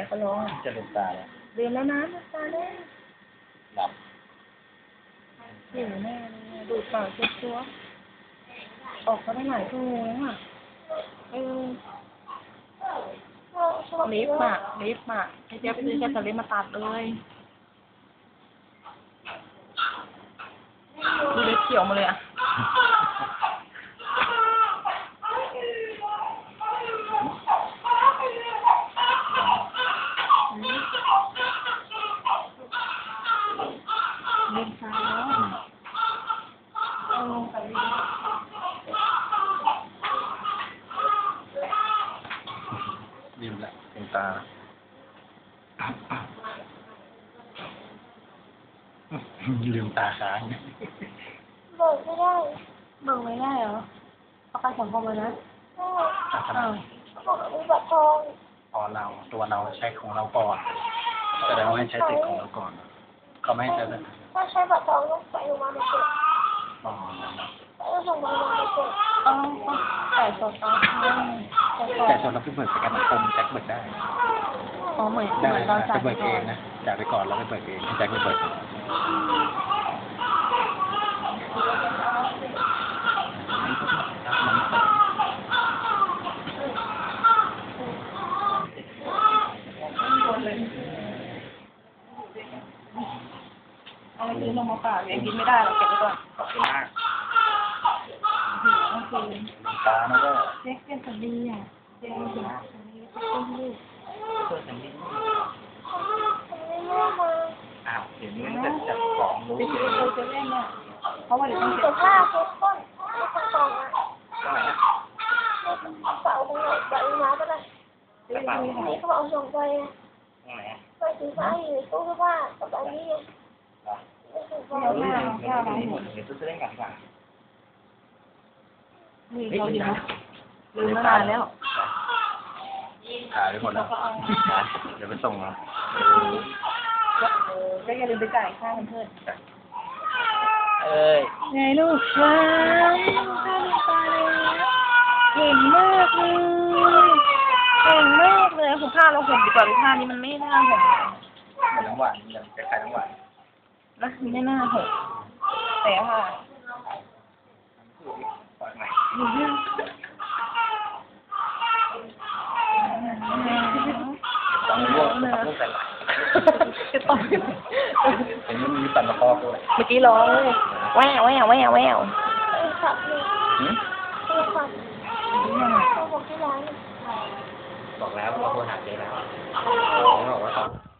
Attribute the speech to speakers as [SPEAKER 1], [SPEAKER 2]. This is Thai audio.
[SPEAKER 1] ก็ร้อง
[SPEAKER 2] จะลืมตาแล้ว
[SPEAKER 1] ลืมแล้วนะลืมตาได้
[SPEAKER 2] หลับ
[SPEAKER 1] หิวแน่เลยดูดปากเช็ดตัวออกมาได้หลายชั่วโมงแล้วอ่ะลิฟต์อ่ะลิฟต์อ่ะให้เจ๊ซื้อแค่จะลิฟต์มาตัดเลยดูเล็บเขียวมาเลยอ่ะลืมตาแล้วเอาลงไป
[SPEAKER 2] ลืมละลืมตาลืมตาค้าง
[SPEAKER 1] เบิกไม่ได้เบิกไม่ได้เหรอประกันสังคมเลยนะอ้าวบอกมีบัตรทอง
[SPEAKER 2] พอเราตัวเราใช้ของเราก่อนแสดงว่าให้ใช้สิทธิ์ของเราก่อนก็ไม่ให้ใช้เลย
[SPEAKER 1] ถ้าใช้บัตรทองต้องไปโรงพยาบาลเด็ก
[SPEAKER 2] อ๋อ
[SPEAKER 1] ต้องส่งไปโรงพยาบาลเด็กแต่สด
[SPEAKER 2] แต่ส่วนเราเพิ่งเบิกประกันสังคมแจ็คเบิกได้
[SPEAKER 1] อ๋อเหมือน
[SPEAKER 2] ได้
[SPEAKER 1] เราจ่าย
[SPEAKER 2] ไปเบิกเองนะจ่ายไปก่อนแล้วไปเบิกเองแจ็คไปเบิก
[SPEAKER 1] เอาไปซื้อลงมาฝากยังกินไม่ได้เราเก็บไว้ก่อน
[SPEAKER 2] ขอบคุณมาก
[SPEAKER 1] หิวเมื่อคืน
[SPEAKER 2] ตานะก็
[SPEAKER 1] เจ๊เป็นสันดีอ่ะเจ๊เป็นสันดีต้นลูก
[SPEAKER 2] เปิดสัญญาณ
[SPEAKER 1] ไม่มา
[SPEAKER 2] อ้าวเดี๋ยวนี้มันจะของรู้
[SPEAKER 1] ไปซื้อเราจะเล่นอ่ะเพราะว่าเดี๋ยวต้องเก็บ
[SPEAKER 3] ผ้าเช็ดก้นไม่ต้องกองอ่ะ
[SPEAKER 2] ก็ไหนนะ
[SPEAKER 3] เป่าตรงไหนใส่มาก็ได้นี่เขาเอาส่งไปไปสีฟ้าอยู่ในตู้เสื้อผ้ากับอันนี้ไง
[SPEAKER 1] เราหน้าเรา
[SPEAKER 2] หมดเดี๋ยวจะเล่นกันดีกว่า
[SPEAKER 1] นี่เราดีนะลืมมานานแล้ว
[SPEAKER 2] ถ่ายไปหมดแล้วเดี๋ยวไปส่งเรา
[SPEAKER 1] ก็อย่าลืมไปจ่ายค่าเพื่อนไงลูกว้าวข้าวตาเลยเก่งมากเลยเก่งมากเลยผมผ้าเราห่มดีกว่าผ้านี้มันไม่น่าห่ม
[SPEAKER 2] น้ำหวานอย่างคล้ายๆน้ำหวาน
[SPEAKER 1] นะไม่น่าห่มแต่ค่ะ
[SPEAKER 2] ปล่อยใหม่ต้องลวกใส่หลาย
[SPEAKER 1] จะต้อง
[SPEAKER 2] เห็นมันมีตันตะคอด้วย
[SPEAKER 1] เมื่อกี้ร้องแววแววแววแวว
[SPEAKER 3] ขับเลยขับเขาบอกที่ร้าน
[SPEAKER 2] บอกแล้วว่าโทรหาเจ๊แล้วบอกว่า